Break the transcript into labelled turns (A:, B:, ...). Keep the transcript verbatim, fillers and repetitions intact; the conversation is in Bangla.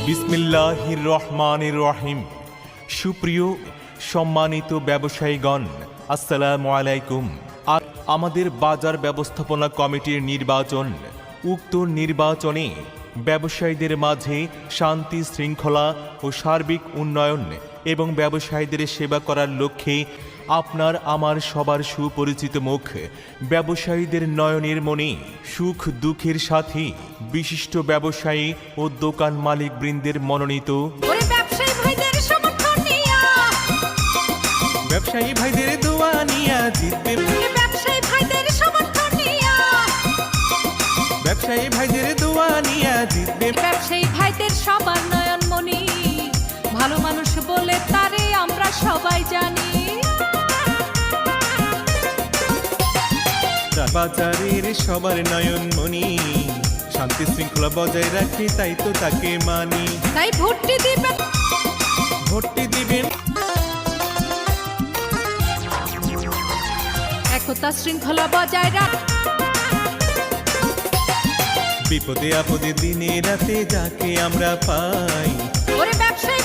A: বিসমিল্লাহির রহমানির রহিম। সুপ্রিয় সম্মানিত ব্যবসায়ীগণ, আসসালামু আলাইকুম। আর আমাদের বাজার ব্যবস্থাপনা কমিটির নির্বাচন, উক্ত নির্বাচনে ব্যবসায়ীদের মাঝে শান্তি শৃঙ্খলা ও সার্বিক উন্নয়ন এবং ব্যবসায়ীদের সেবা করার লক্ষ্যে আপনার আমার সবার সুপরিচিত মুখ ব্যবসায়ীদের নয়নের মনে সুখ দুঃখের সাথে বিশিষ্ট ব্যবসায়ী ও দোকান মালিক বৃন্দের মনোনীত ব্যবসায়ী ভাইদের দোয়া নিয়া জিতবে,
B: ব্যবসায়ী ভাইদের সমর্থন নিয়া
A: ব্যবসায়ী ভাইদের দোয়া নিয়া জিতবে,
B: ব্যবসায়ী ভাইদের সবার নয়নমণি, ভালো মানুষ বলে তারে আমরা সবাই জানি।
A: বাজারের সবার নয়নমণি, শান্তি শৃঙ্খলা বজায় রাখে তাই তো তাকে মানি।
B: তাই ভোটটি দিবেন,
A: ভোটটি দিবেন,
B: একতা শৃঙ্খলা বজায় রাখ,
A: বিপদে আপদে দিনে রাতে যাকে আমরা পাই।
B: ওরে ব্যবসায়ী